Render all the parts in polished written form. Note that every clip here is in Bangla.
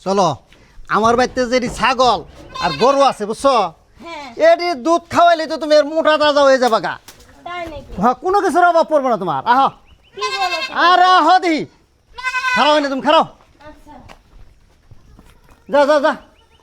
চলো আমার বাড়িতে যেটি ছাগল আর গরু আছে বুঝছো এটি দুধ খাওয়াইলে তো তুমি এর মোটা তাজা হয়ে যাবা গা। হ্যাঁ কোনো কিছুর অভাব পড়বে না তোমার। আহ আর আহ দিহি খারাও না তুমি খারাও। যা যা যা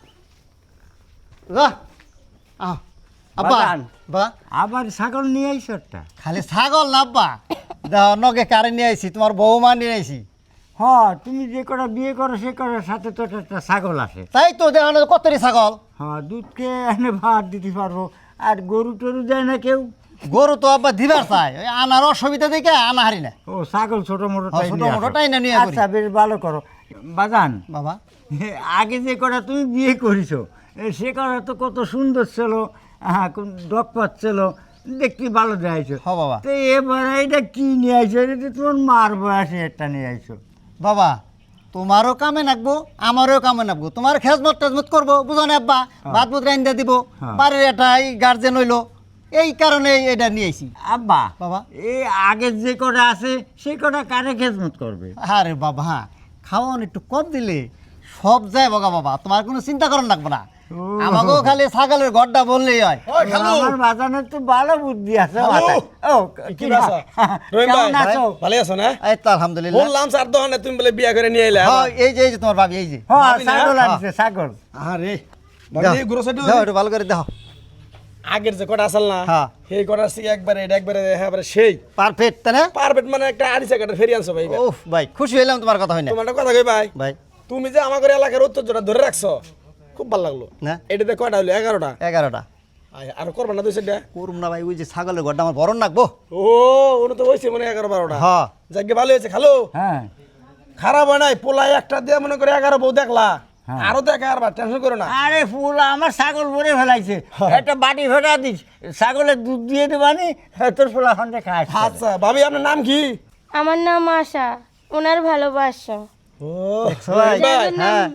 যা আহ আব্বা বা আবার ছাগল নিয়ে আইস একটা। খালি ছাগল না আব্বা দেখো নগে কারে নিয়ে আইছি তোমার বৌমা নিয়ে আইছি। হ্যাঁ তুমি যে কটা বিয়ে করো সে কটার সাথে তো একটা ছাগল আসে। তাই তো দেখো না কতরি ছাগল। হ্যাঁ দুধকে এনে ভাত দিতে পারবো। আর গরু টরু দেয় না কেউ? গরু তো আব্বা দিবার চাই ওই আনার অসুবিধা দেখে আনা হারি না। ও ছাগল ছোট মোটো ছোট মোটোটাই না নিয়ে করি। আচ্ছা বেশ ভালো করো বাজান। বাবা আগে যে কটা তুমি বিয়ে করেছো সে কটা তো কত সুন্দর ছিল, হ্যাঁ ডকপাত ছিল, দেখতে ভালো দেখাইছো। হ বাবা তো এবার এটা কি নিয়ে আইছো? এটা তো তোমার মার বয়সে একটা নিয়ে আইছো। বাবা তোমারও কামে নাকবো আমারও কামে নাকবো তোমার খেজমত টেজমত করবো বুঝো না আব্বা ভাত বুত রাইন্দা দিব বাড়ির একটা গার্জেন হইলো এই কারণে এটা নিয়ে আইছি। আব্বা বাবা এই আগের যে কটা আছে সেই কটা কারে খেজমত করবে? আরে বাবা খাওয়ান একটু কম দিলে সব যায় বগা বাবা তোমার কোনো চিন্তা করার লাগবে না। আমাকেও খালি ছাগলের ঘরটা বললেই হয়। আমার বাজানের তো ভালো বুদ্ধি আছে। ও কি বাসা রহিম ভাই কেমন আছো? ভালো আছো না? এই তো আলহামদুলিল্লাহ। বললাম স্যার দোকানে তুমি বলে বিয়া করে নিয়ে এলে। হ্যাঁ এই যে তোমার ভাবি এই যে হ্যাঁ ভাবি না? ছাগল আনছে ছাগল। আরে দাও, ভাবি গুরু সাইড দাও একটু ভালো করে দাও। আগের যে কটা আসল না হ্যাঁ। সেই কটা সি একবারে এটা একবারে একবারে সেই পারফেক্ট তাই না? পারফেক্ট মানে একটা আড়িশা কাটার ফেরি আনছো ভাই। ওফ ভাই খুশি হইলাম তোমার কথা হয় না তোমার একটা কথা কই ভাই, ভাই। তুমি যে আমাদের এলাকার ঐতিহ্যটা ধরে রাখছো খুব ভালো লাগলো। না এটাতে কয়টা হলো? 11টা। 11টা আর করবা না দুই সাইডটা? করুম না ভাই ওই যে ছাগলের ঘরটা আমার বড় নাকবো। ও ওটা তো হইছে মনে 11-12টা। হ্যাঁ যাকে ভালো হয়েছে খালো হ্যাঁ খারাপ হয় নাই। পোলাই একটা দিয়ে মনে করে 11 বউ দেখলা হ্যাঁ। আরো দেখা আর টেনশন করো না। আরে ফুল আমার ছাগল ভরে ফেলাইছে, একটা বাটি ভেটা দিস, ছাগলের দুধ দিয়ে দেবানি, তোর ফুলা খন্ডে খাস। আচ্ছা ভাবি আপনার নাম কি? আমার নাম আশা, ওনার ভালোবাসা। ও ভাই, ভাই হ্যাঁ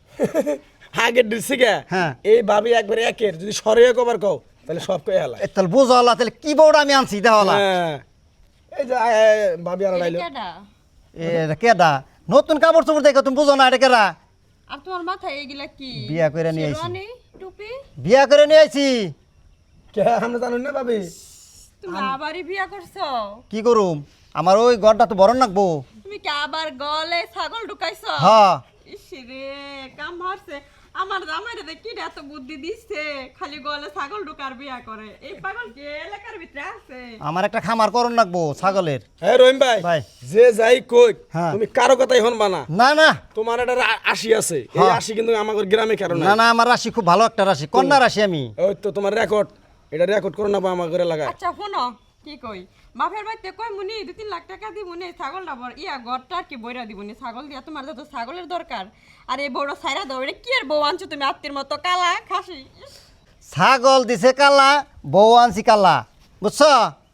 আগের ডিসি কে হ্যাঁ। এই ভাবি একবারে একের যদি সরিয়ে কবার কও তাহলে সব কই হেলা। তাহলে বুঝো আল্লাহ তাহলে কি বউটা আমি আনছি দেখো আল্লাহ। হ্যাঁ এই যে ভাবি আর আইলো এটা কেডা নতুন কাপড় চোপড় দেখো তুমি বুঝো না এটা কেডা? আর তোমার মাথায় এগুলা কি? বিয়া করে নিয়ে আইছি। শেরওয়ানি, টুপি? বিয়া করে নিয়ে আইছি। কে আমরা জানুন না ভাবি? তুমি আবারই বিয়া করছো? কি করুম আমার ওই ঘরটা তো বড় নাকবো। তুমি কি আবার গলে ছাগল ঢুকাইছো? হ্যাঁ ইসরে কাম হারছে। আমার জামাইরে যে কি এত বুদ্ধি দিচ্ছে, খালি গলে ছাগল ঢুকার বিয়া করে। এই পাগল কি এলাকার ভিতরে আছে? আমার একটা খামার করন নাকবো ছাগলের। হ্যাঁ রহিম ভাই ভাই। যে যাই কই হ্যাঁ। তুমি কারো কথাই হনবা না। না না তোমার একটা আশি আছে, এই হ্যাঁ। আশি কিন্তু আমাদের গ্রামে কারণ না না আমার রাশি খুব ভালো একটা রাশি কন্যা রাশি আমি। ওই তো তোমার রেকর্ড, এটা রেকর্ড করো না আমাদের এলাকায়। আচ্ছা শোনো কি কই, বাপের বাড়িতে কই মুনি 2-3 লাখ টাকা দিবনি ছাগলটা বড় ইয়া ঘরটা আর কি বইরা দিবনি ছাগল দিয়া, তোমার তো ছাগলের দরকার। আর এই বড় সাইরা দাও, এটা কি এর বউ আনছো তুমি আত্মীর মতো কালা খাসি? ছাগল দিছে কালা বউ আনছি কালা বুঝছো?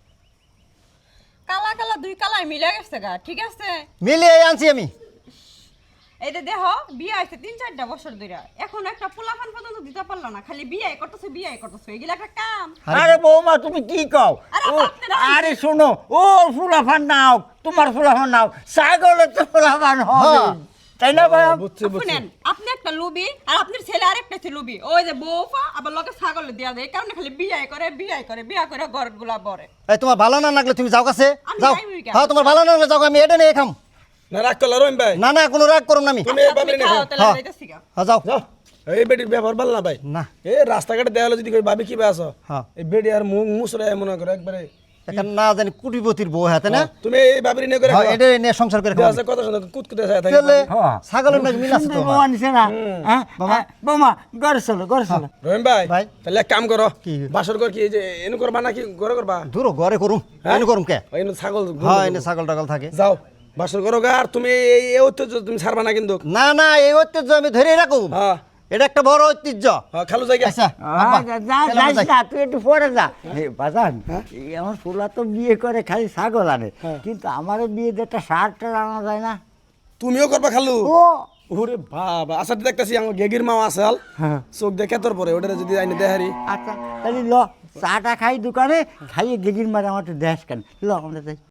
কালা কালা দুই কালাই মিলে গেছে গা, ঠিক আছে? মিলিয়ে আনছি আমি। এই যে দেখো বিয়ে হয়েছে 3-4টা বছর ধরে, এখন একটা পোলাপান পর্যন্ত দিতে পারলো না, খালি বিয়ে করতেছে এগুলা একটা কাম? আরে বৌমা তুমি কি কও? আরে ও, আপনারা- আরে শোনো, ও ফুলাফান নাও, তোমার ফুলাফান নাও, ছাগলের তো ফুলাফান হবে, হ্যাঁ। তাই না ভাই? বুঝছি বুঝছি। শুনেন, আপনি একটা লুবি আর আপনার ছেলে আরেকটা ছে লুবি, ওই যে বউফা আবার লগে ছাগল দেয়া দেয়, এই কারণে খালি বিয়ে করে ঘরগুলা বরে। এই তোমার ভালো না লাগলে তুমি যাও কাছে আমি যাও। যাইবই কেন? হ্যাঁ তোমার ভালো না লাগলে যাও আমি এটা নিয়ে খাম। না রাগ করলা রহিম ভাই? না না কোনো রাগ করুম না আমি। তুমি এই আচ্ছা, ভাবি তুমি না খাও, তাহলে হ্যাঁ। যাইতাছি গা। হ্যাঁ যাও যাও। এই বেটির ব্যবহার ভালো না ভাই। না এই রাস্তাঘাটে দেখা হলো যদি কই ভাবি কি আছো, হ্যাঁ। এই বেটি আর মুখ মুসরা মনে করে একবারে। এখন না জানি কুটিপতির বউ হাতে না। তুমি এই ভাবির নিয়ে করে হ্যাঁ এটা নিয়ে সংসার করে খাওয়া। কথা শুনে কুতকুতে যায় থাকে। তাহলে হ্যাঁ। ছাগলের নাকি মিল আছে তো সুন্দর বৌমা নিছে না? হ্যাঁ? বাবা। বৌমা ঘরে চলো, ঘরে চলো। রহিম ভাই ভাই। তাহলে এক কাম করো, কি? বাসর ঘর কি এই যে এনু করবা নাকি ঘরে করবা? দূর ঘরে করুম হ্যাঁ? এনে করুম কে? ওই এনু ছাগল হ্যাঁ এনে ছাগল টাগল থাকে। যাও বাসর করো গা। আর তুমি এই ঐতিহ্য তুমি ছাড়বা না কিন্তু। না না এই ঐতিহ্য আমি ধরে রাখুম। হ্যাঁ এটা একটা বড় ঐতিহ্য। হ্যাঁ খালু জায়গা। আচ্ছা আব্বা, চলো যাইস যাই। না, তুই একটু পরে যা। বাজান এই আমার ফুলা তো বিয়ে করে খালি ছাগল আনে, কিন্তু আমারও বিয়ে একটা শার্ট আনা যায় না? তুমিও করবা খালু? ও ওরে বাবা, আচ্ছা দেখতাছি আমার গেগির মাও আছে হাল হ্যাঁ। চোখ দেখে তোর পরে ওটা যদি আইনে দেহারি। আচ্ছা তাহলে ল চাটা খাই দোকানে, খাইয়ে গেগির মারে আমার একটু দেশ কেন, ল আমরা যাই।